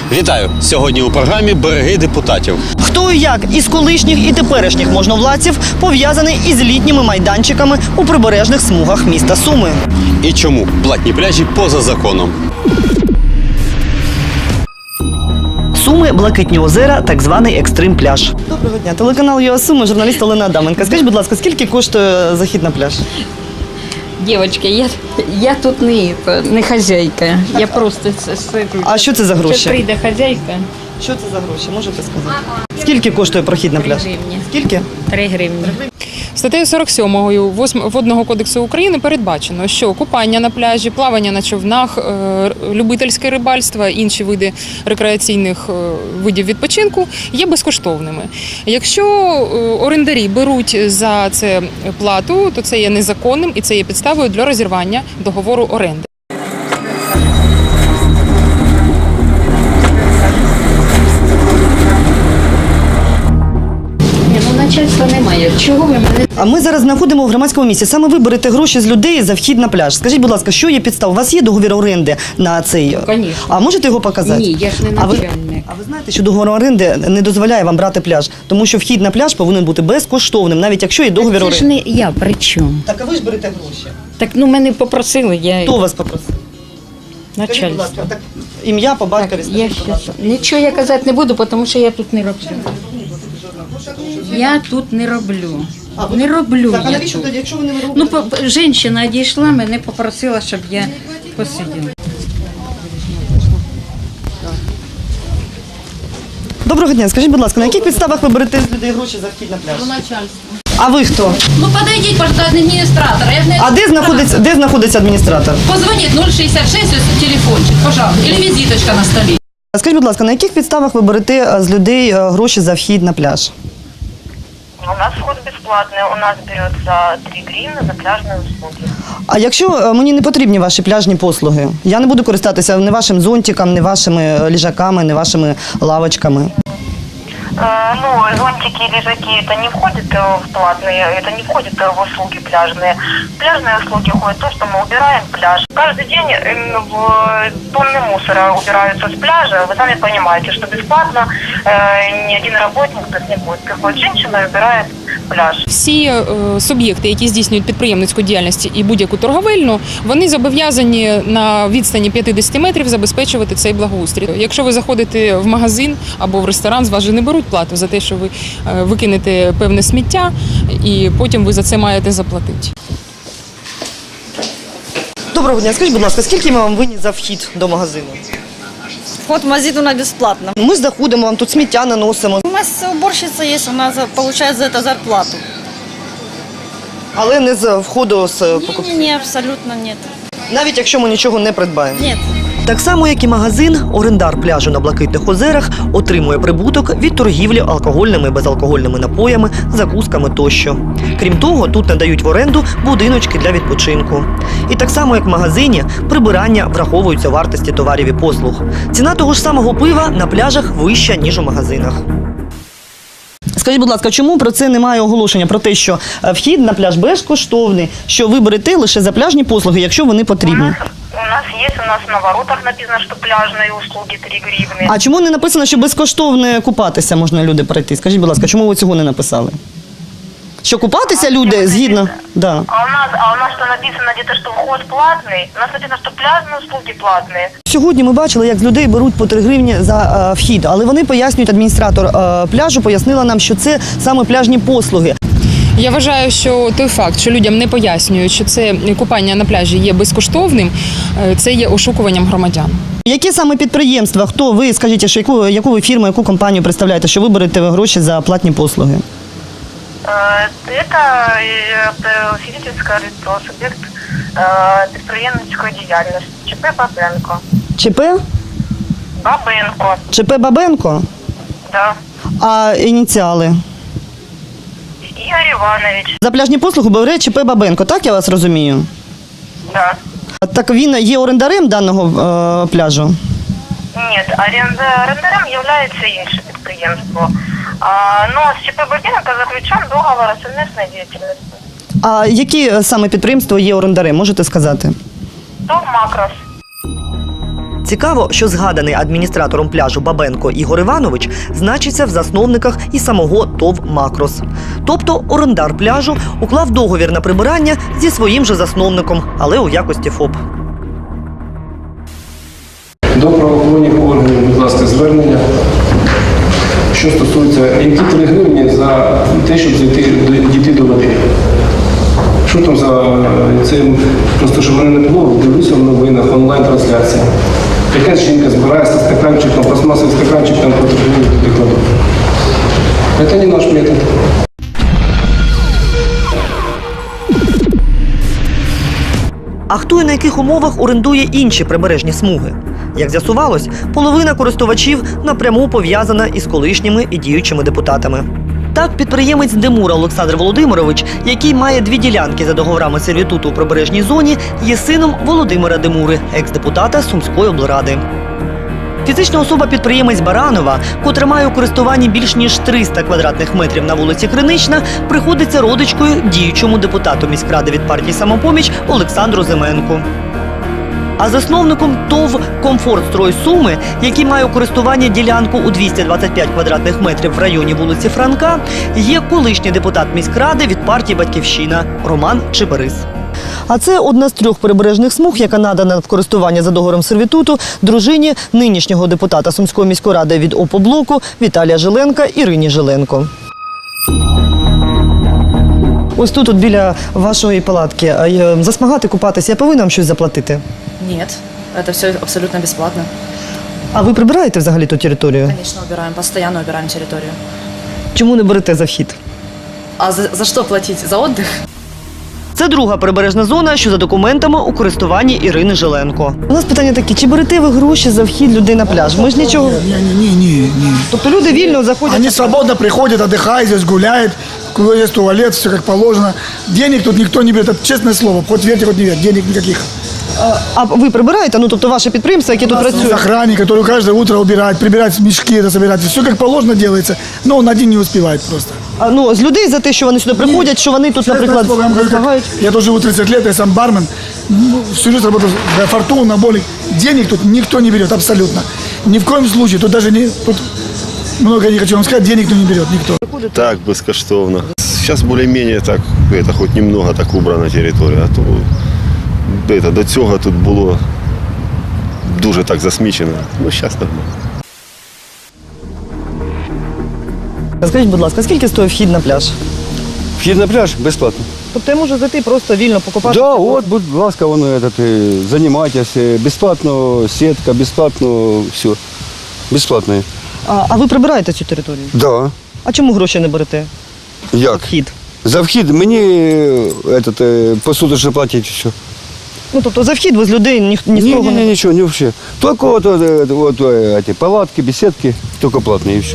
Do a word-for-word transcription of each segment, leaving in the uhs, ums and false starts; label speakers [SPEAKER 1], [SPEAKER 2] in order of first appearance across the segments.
[SPEAKER 1] Вітаю! Сьогодні у програмі «Береги депутатів».
[SPEAKER 2] Хто і як із колишніх і теперішніх можновладців пов'язаний із літніми майданчиками у прибережних смугах міста Суми.
[SPEAKER 1] І чому платні пляжі поза законом?
[SPEAKER 2] Суми, Блакитні озера, так званий екстрим-пляж. Доброго дня. Телеканал ЮА Суми, журналіст Олена Адаменко. Скажіть, будь ласка, скільки коштує захід на пляж?
[SPEAKER 3] Девочки, я, я тут не, не хозяйка, я просто сиджу.
[SPEAKER 2] А що це за гроші?
[SPEAKER 3] Зараз прийде хозяйка.
[SPEAKER 2] Що це за гроші, можете сказати? Скільки коштує прохід на пляж?
[SPEAKER 3] Три гривні.
[SPEAKER 2] Скільки?
[SPEAKER 3] Три гривні.
[SPEAKER 4] Статтею сорок сьомою Водного кодексу України передбачено, що купання на пляжі, плавання на човнах, е, любительське рибальство, інші види рекреаційних е, видів відпочинку є безкоштовними. Якщо е, орендарі беруть за це плату, то це є незаконним і це є підставою для розірвання договору оренди.
[SPEAKER 3] Начальства немає. Чого ви мене?
[SPEAKER 2] А ми зараз знаходимо в громадському місці. Саме ви берете гроші з людей за вхід на пляж. Скажіть, будь ласка, що є підстав? У вас є договір оренди на цей?
[SPEAKER 3] Звісно.
[SPEAKER 2] А можете його показати?
[SPEAKER 3] Ні, я ж не
[SPEAKER 2] А ви,
[SPEAKER 3] начальник.
[SPEAKER 2] а ви знаєте, що договір оренди не дозволяє вам брати пляж? Тому що вхід на пляж повинен бути безкоштовним, навіть якщо є договір
[SPEAKER 3] Це ж
[SPEAKER 2] оренди.
[SPEAKER 3] не я, при чому?
[SPEAKER 2] Так, а ви ж берете гроші.
[SPEAKER 3] Так, ну мене попросили, я
[SPEAKER 2] Хто вас попросив? Скажіть, будь
[SPEAKER 3] начальство.
[SPEAKER 2] ласка, так, ім'я по батькові,
[SPEAKER 3] Я
[SPEAKER 2] скажіть, будь
[SPEAKER 3] щас...
[SPEAKER 2] ласка.
[SPEAKER 3] Нічого я казати не буду, тому що я тут не роблю. Я тут не роблю.
[SPEAKER 2] А, ви-
[SPEAKER 3] Не роблю
[SPEAKER 2] Так, а
[SPEAKER 3] я
[SPEAKER 2] навіщо
[SPEAKER 3] тут.
[SPEAKER 2] тоді, якщо ви не робите?
[SPEAKER 3] Ну, по- по- жінка одійшла, мене попросила, щоб я посиділа.
[SPEAKER 2] Доброго дня, скажіть, будь ласка, на яких підставах ви берете з людей гроші за вхід на пляж?
[SPEAKER 5] Начальство.
[SPEAKER 2] А ви хто?
[SPEAKER 5] Ну подойдіть, пожалуйста, до адміністратора. Я ж не...
[SPEAKER 2] А де знаходиться, де знаходиться адміністратор?
[SPEAKER 5] Позвоніть нуль шістдесят шість, ось телефончик, пожалуйста. Или візиточка на столі.
[SPEAKER 2] Скажіть, будь ласка, на яких підставах ви берете е, з людей е, гроші за вхід на пляж?
[SPEAKER 6] У нас вход бесплатный, у нас берется три гривны за пляжные услуги.
[SPEAKER 2] А якщо е, мені не потрібні ваші пляжні послуги, я не буду користатися ні вашим зонтиком, ні вашими ліжаками, ні вашими лавочками.
[SPEAKER 6] Э, ну, зонтики и лежаки это не входит э, в платные, это не входит э, в услуги пляжные. В пляжные услуги входит то, что мы убираем пляж. Каждый день э, в тонны мусора убираются с пляжа. Вы сами понимаете, что бесплатно э, ни один работник тут не будет. Приходит женщина и убирает пляж.
[SPEAKER 4] Всі е, суб'єкти, які здійснюють підприємницьку діяльність і будь-яку торговельну, вони зобов'язані на відстані п'ятдесят метрів забезпечувати цей благоустрій. Якщо ви заходите в магазин або в ресторан, з вас же не беруть плату за те, що ви е, викинете певне сміття, і потім ви за це маєте заплатити.
[SPEAKER 2] Доброго дня, скажіть, будь ласка, скільки ми вам винні за вхід до магазину?
[SPEAKER 7] Вход в магазин у нас бесплатно.
[SPEAKER 2] Ми заходимо, вам тут сміття наносимо,
[SPEAKER 7] У нас уборщица есть, она за- получает за это зарплату.
[SPEAKER 2] але не з входу з покупців.
[SPEAKER 7] Не, абсолютно нет.
[SPEAKER 2] Навіть якщо ми нічого не придбаємо.
[SPEAKER 7] Нет.
[SPEAKER 2] Так само, як і магазин, орендар пляжу на Блакитних озерах отримує прибуток від торгівлі алкогольними і безалкогольними напоями, закусками тощо. Крім того, тут надають в оренду будиночки для відпочинку. І так само, як в магазині, прибирання враховуються вартості товарів і послуг. Ціна того ж самого пива на пляжах вища, ніж у магазинах. Скажіть, будь ласка, чому про це немає оголошення? Про те, що е, вхід на пляж безкоштовний, що ви берете лише за пляжні послуги, якщо вони
[SPEAKER 6] У
[SPEAKER 2] потрібні?
[SPEAKER 6] нас, у нас есть, у нас на воротах написано, что пляжные услуги три гривны.
[SPEAKER 2] А чому не написано, що безкоштовно купатися можна люди пройти? Скажіть, будь ласка, чому ви цього не написали? Що купатися люди згідно? Да.
[SPEAKER 6] А у нас, а у нас что написано где-то, что вход платный? У нас написано, что пляжные услуги платные.
[SPEAKER 2] Сьогодні ми бачили, як з людей беруть по три гривні за е, вхід, але вони пояснюють, адміністратор е, пляжу пояснила нам, що це саме пляжні послуги.
[SPEAKER 4] Я вважаю, що той факт, що людям не пояснюють, що це купання на пляжі є безкоштовним, е, це є ошукуванням громадян.
[SPEAKER 2] Які саме підприємства, хто ви, скажіть, що яку, яку ви фірму, яку компанію представляєте, що ви берете гроші за платні послуги?
[SPEAKER 6] Э, Это э, физическое лицо, субъект э, предприемницкой деятельности. ЧП Бабенко.
[SPEAKER 2] ЧП?
[SPEAKER 6] Бабенко,
[SPEAKER 2] ЧП Бабенко?
[SPEAKER 6] да.
[SPEAKER 2] А ініціали?
[SPEAKER 6] Игорь Иванович,
[SPEAKER 2] За пляжні послуги бере ЧП Бабенко, так я вас розумію?
[SPEAKER 6] да.
[SPEAKER 2] Так він є орендарем даного е, пляжу?
[SPEAKER 6] Нет, оренда- орендарем является інше підприємство. А, но с ЧП Бабенко заключен договор о совместной деятельности.
[SPEAKER 2] А які саме підприємства є орендарем, можете сказати?
[SPEAKER 6] ТОВ «Макрос».
[SPEAKER 2] Цікаво, що згаданий адміністратором пляжу Бабенко Ігор Іванович значиться в засновниках і самого ТОВ «Макрос». Тобто орендар пляжу уклав договір на прибирання зі своїм же засновником, але у якості ФОП.
[SPEAKER 8] До правоохоронних органів, будь ласка, звернення. Що стосується, які три гривні за те, щоб зайти, дійти до води. Що там за це, просто щоб мене не було, дивлюся в новинах, онлайн-трансляція. Якась жінка збирається стаканчиком, пластмасовий стаканчик, там по три гривні туди кладуть. Це не наш метод.
[SPEAKER 2] А хто і на яких умовах орендує інші прибережні смуги? Як з'ясувалось, половина користувачів напряму пов'язана із колишніми і діючими депутатами. Так, підприємець Демура Олександр Володимирович, який має дві ділянки за договорами сервітуту у прибережній зоні, є сином Володимира Демури, екс-депутата Сумської облради. Фізична особа-підприємець Баранова, котра має у користуванні більш ніж триста квадратних метрів на вулиці Кринична, приходиться родичкою діючому депутату міськради від партії «Самопоміч» Олександру Зименку. А засновником ТОВ «Комфортстрой Суми», який має у користуванні ділянку у двісті двадцять п'ять квадратних метрів в районі вулиці Франка, є колишній депутат міськради від партії «Батьківщина» Роман Чеберис. А це одна з трьох прибережних смуг, яка надана в користування за договором сервітуту дружині нинішнього депутата Сумської міської ради від ОПО-блоку Віталія Жиленка Ірині Жиленко. Ось тут, от біля вашої палатки, засмагати, купатися, я повинна вам щось заплатити?
[SPEAKER 7] Нет, это все абсолютно бесплатно.
[SPEAKER 2] А ви прибираєте взагалі ту територію?
[SPEAKER 7] Конечно, убираем, постоянно убираем территорию.
[SPEAKER 2] Чому не берете за вхід?
[SPEAKER 7] А за, за что платить? За отдых?
[SPEAKER 2] Це друга прибережна зона, що за документами у користуванні Ірини Жиленко. У нас питання такі, чи берете ви гроші за вхід людей на пляж? Ми ж нічого...
[SPEAKER 9] Ні, ні, ні, ні.
[SPEAKER 2] Тобто люди вільно заходять...
[SPEAKER 9] Они свободно приходят, отдыхают здесь, гуляют, есть туалет, все как положено. Денег тут никто не берет, это честное слово, хоть верьте, хоть не верьте, денег никаких.
[SPEAKER 2] А ви прибираєте? Ну, тобто ваше підприємство, яке тут
[SPEAKER 9] Есть
[SPEAKER 2] працює?
[SPEAKER 9] охранник, который каждое утро убирает, прибирает мешки, это собирает. Все как положено делается, но он один не успевает просто.
[SPEAKER 2] А, ну, з людей за те, що вони сюди приходять, що вони тут,
[SPEAKER 9] Честное
[SPEAKER 2] наприклад,
[SPEAKER 9] слово, я вам говорю, как-
[SPEAKER 2] засмагають?
[SPEAKER 9] Я тоже живу тридцать лет, я сам бармен. Ну, всю жизнь работал за Фортуна, Боли. Денег тут никто не берет, абсолютно. Ни в коем случае. Тут даже не... Тут много не хочу вам сказать, денег тут не берет никто.
[SPEAKER 10] Так, безкоштовно. Сейчас более-менее так, это, хоть немного так убрана територія, а то это, до цього тут було дуже так засмічено. Ну, зараз нормально.
[SPEAKER 2] Скажіть, будь ласка, скільки стоїть вхід на пляж?
[SPEAKER 11] Вхід на пляж безплатно.
[SPEAKER 2] Тобто я можу зайти просто вільно покупати?
[SPEAKER 11] Да, от, будь ласка, воно этот, е, займайтесь, е, безплатно сітка, безплатно все. Безплатно.
[SPEAKER 2] А, а ви прибираєте цю територію?
[SPEAKER 11] Да.
[SPEAKER 2] А чому гроші не берете?
[SPEAKER 11] Як?
[SPEAKER 2] Вхід.
[SPEAKER 11] За вхід мені е, этот, е, посуточно платять все.
[SPEAKER 2] Ну, тобто за вхід ви з людей ні, ні з
[SPEAKER 11] Ні,
[SPEAKER 2] кого
[SPEAKER 11] ні,
[SPEAKER 2] не...
[SPEAKER 11] ні, нічого, не вообще. Тільки от, от, от, от, е, ті палатки, беседки, тільки платні і все.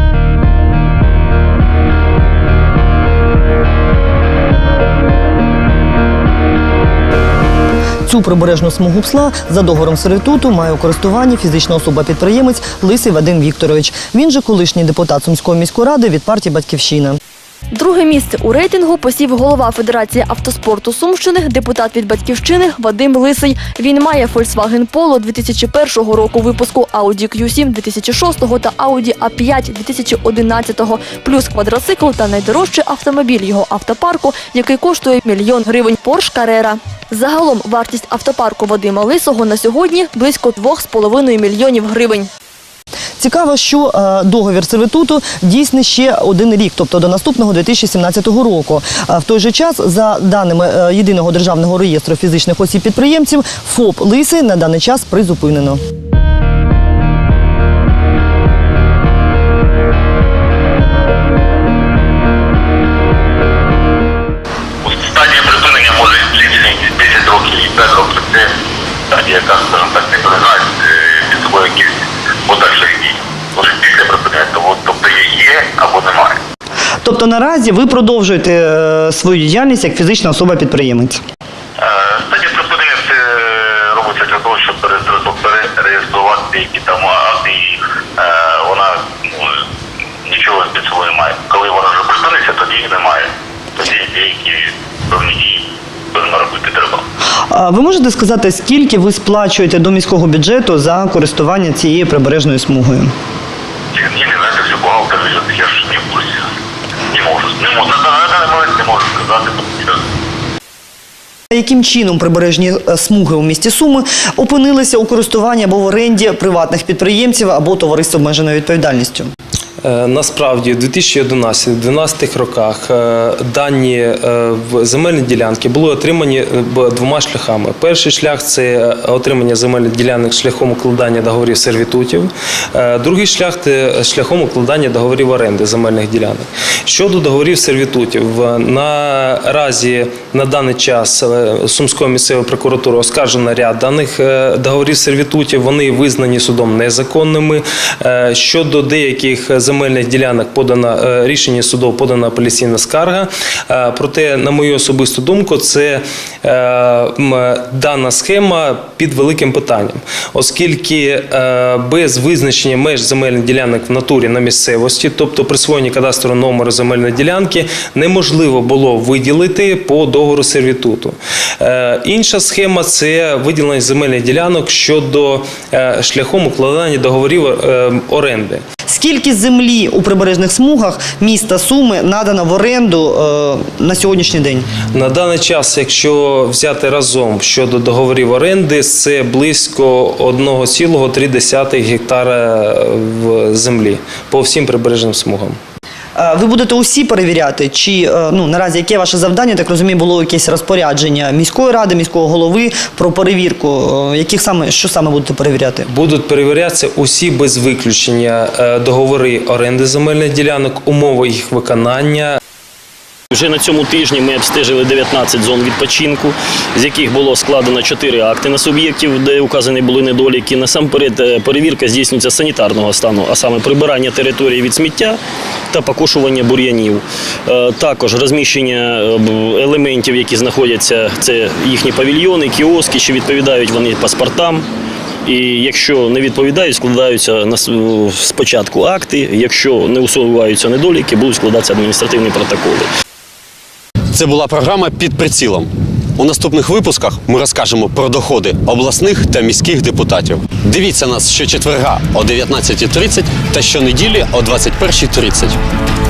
[SPEAKER 2] Цю прибережну смугу псла за договором сервітуту має у користуванні фізична особа-підприємець Лисий Вадим Вікторович. Він же колишній депутат Сумської міської ради від партії «Батьківщина».
[SPEAKER 12] Друге місце у рейтингу посів голова Федерації автоспорту Сумщини, депутат від «Батьківщини» Вадим Лисий. Він має Volkswagen Polo дві тисячі першого року випуску, Audi кью сім дві тисячі шостого та Audi а п'ять дві тисячі одинадцятого, плюс квадроцикл та найдорожчий автомобіль його автопарку, який коштує мільйон гривень – Porsche Carrera. Загалом вартість автопарку Вадима Лисого на сьогодні близько двох з половиною мільйонів гривень.
[SPEAKER 2] Цікаво, що е, договір сервітуту дійсний ще один рік, тобто до наступного дві тисячі сімнадцятого року. А в той же час, за даними е, Єдиного державного реєстру фізичних осіб-підприємців, ФОП «Лисий» на даний час призупинено.
[SPEAKER 13] Стадія припинення може лічити десять років і п'ять років. Це стадія, яка, скажімо так, не перегнає під собою якісь подальших дій. Тож після припинення, тобто є або немає.
[SPEAKER 2] Тобто наразі ви продовжуєте е, свою діяльність як фізична особа-підприємець?
[SPEAKER 13] Стадія припинення це робиться для того, щоб перереєструвати деякі там акти, і вона ну, нічого під собою не має. Коли вона вже припиниться, тоді її немає. Тоді деякі певні дії робити треба.
[SPEAKER 2] А ви можете сказати, скільки ви сплачуєте до міського бюджету за користування цією прибережною смугою?
[SPEAKER 13] Ні, не знаєте, все бухгалтер ведет, я ж не в курсі. Не можу. Не можу. На даний момент не можу сказати, тому що
[SPEAKER 2] Яким чином прибережні е, смуги у місті Суми опинилися у користуванні або в оренді приватних підприємців або товариств з обмеженою відповідальністю?
[SPEAKER 14] Е, Насправді, у дві тисячі одинадцятому-дванадцятому роках е, дані е, в земельні ділянки були отримані е, б- двома шляхами. Перший шлях – це отримання земельних ділянок шляхом укладання договорів сервітутів. Е, Другий шлях – це шляхом укладання договорів оренди земельних ділянок. Щодо договорів сервітутів, в- наразі на даний час е, Сумською місцевою прокуратурою оскаржено ряд даних е, договорів сервітутів. Вони визнані судом незаконними. Е, Щодо деяких земельних ділянок подано е, рішення судов, подана апеляційна скарга. Е, Проте, на мою особисту думку, це е, м, дана схема під великим питанням, оскільки е, без визначення меж земельних ділянок в натурі на місцевості, тобто присвоєння кадастрового номеру земельної ділянки, неможливо було виділити по договору сервітуту. Е, Інша схема – це виділення земельних ділянок щодо е, шляхом укладання договорів е, оренди.
[SPEAKER 2] Скільки землі у прибережних смугах міста Суми надано в оренду е, на сьогоднішній день?
[SPEAKER 14] На даний час, якщо взяти разом щодо договорів оренди, це близько один цілих три десятих гектара в землі по всім прибережним смугам.
[SPEAKER 2] Е, Ви будете усі перевіряти? Чи е, ну, наразі яке ваше завдання? Так розумію, було якесь розпорядження міської ради, міського голови про перевірку. Е, Яких саме, що саме будете перевіряти?
[SPEAKER 14] Будуть перевірятися усі без виключення е, договори оренди земельних ділянок, умови їх виконання.
[SPEAKER 15] Вже на цьому тижні ми обстежили дев'ятнадцять зон відпочинку, з яких було складено чотири акти на суб'єктів, де указані були недоліки. Насамперед перевірка здійснюється санітарного стану, а саме прибирання території від сміття та покошування бур'янів. Е, Також розміщення елементів, які знаходяться, це їхні павільйони, кіоски, чи відповідають вони паспортам. І якщо не відповідають, складаються на с- спочатку акти, якщо не усуваються недоліки, будуть складатися адміністративні протоколи.
[SPEAKER 1] Це була програма «Під прицілом». У наступних випусках ми розкажемо про доходи обласних та міських депутатів. Дивіться нас щочетверга о дев'ятнадцятій тридцять та щонеділі о двадцять першій тридцять.